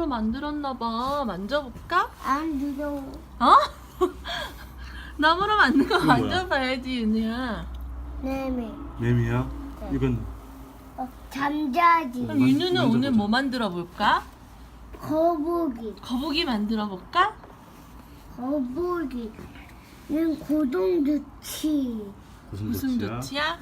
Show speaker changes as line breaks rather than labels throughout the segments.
나무로 만들었나봐. 만져볼까?
안 두려워.
어? 나무로 만든 거
이건 뭐야?
만져봐야지, 윤희야.
네네.
매미야? 이건
잠자지.
그럼 윤희는
만져보자.
오늘 뭐 만들어 볼까?
거북이.
거북이 만들어 볼까?
거북이는 고동두치.
무슨
도치야?
도치야?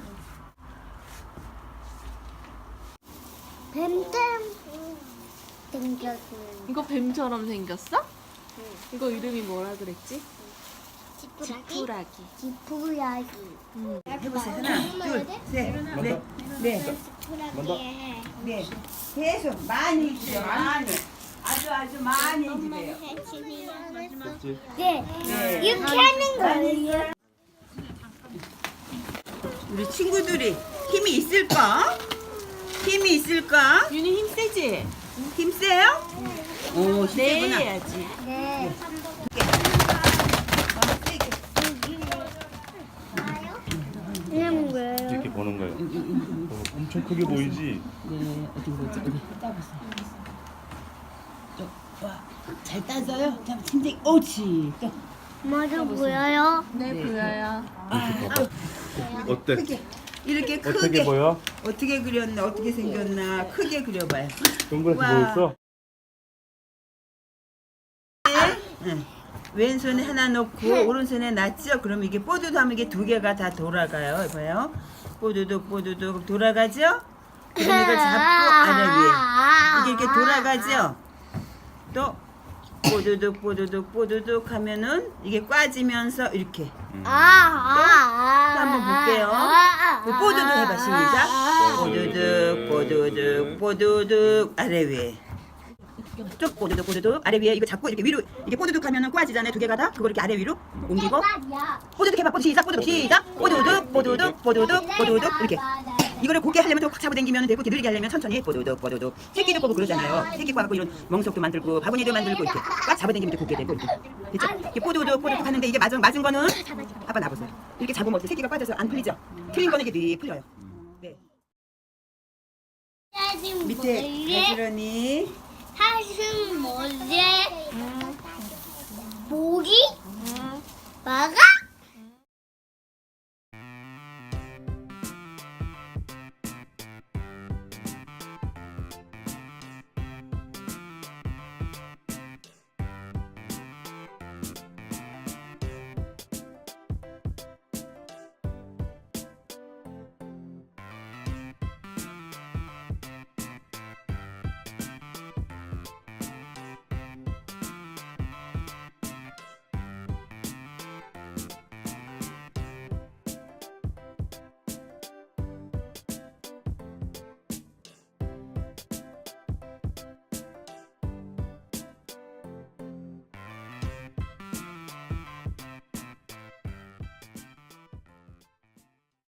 뱀뱀 생겼는
이거 뱀처럼 생겼어? 이거 이름이 뭐라 그랬지? 지푸라기.
지푸라기.
해보세요. 하나, 둘, 셋, 넷, 네,
지푸라기에
네. 계속 많이 주세요. 많이. 아주 많이 주세요.
네. 이렇게 하는 거예요.
우리 친구들이 힘이 있을까? 힘이 있을까?
윤희 힘 세지?
힘 세요? 오, 힘
네
세구나.
해야지.
네. 이름 뭐예요?
이렇게 보는 거예요. 엄청 크게 보이지?
네, 어디 보지? 어디 따보세요. 와, 잘 따져요. 자, 팀장, 옳지. 또
맞아 보여요?
네, 보여요.
어때?
크게. 이렇게
어떻게
크게.
보여?
어떻게 그렸나? 어떻게 생겼나? 크게 그려봐요.
동그랗게
와.
보였어?
응. 왼손에 하나 놓고 오른손에 놨죠? 그럼 이게 뽀드도 하면 이게 두 개가 다 돌아가요. 봐요. 뽀드득 돌아가죠? 그럼 이걸 잡고 아래 위에. 이게 이렇게 돌아가죠? 또 뽀드득 하면은 이게 꽈지면서 이렇게. 또 한번 볼게요. 뽀드득 해봐. 시작. 뽀드득 아래 위에. 쭉 뽀드득 아래 위에 이거 잡고 이렇게 위로 이게 뽀드득 하면은 꽈지잖아요. 두 개가 다. 그걸 이렇게 아래 위로 옮기고 뽀드득 해봐. 시작. 뽀드득 이렇게. 이거를 곱게 하려면 좀 꽉 잡아당기면 되고 느리게 하려면 천천히 뽀드득 새끼도 뽑고 그러잖아요. 새끼 꽈갖고 이런 멍석도 만들고 바구니도 만들고 이렇게 꽉 잡아당기면 돼. 곱게 되고 이렇게. 됐죠? 이렇게 뽀드득 하는데 이게 맞은 거는 아빠 놔보세요. 이렇게 잡으면 어떻게 새끼가 빠져서 안 풀리죠? 틀린 거는 이게 네 풀려요. 네. 밑에 가지런히
사슴 뭐지?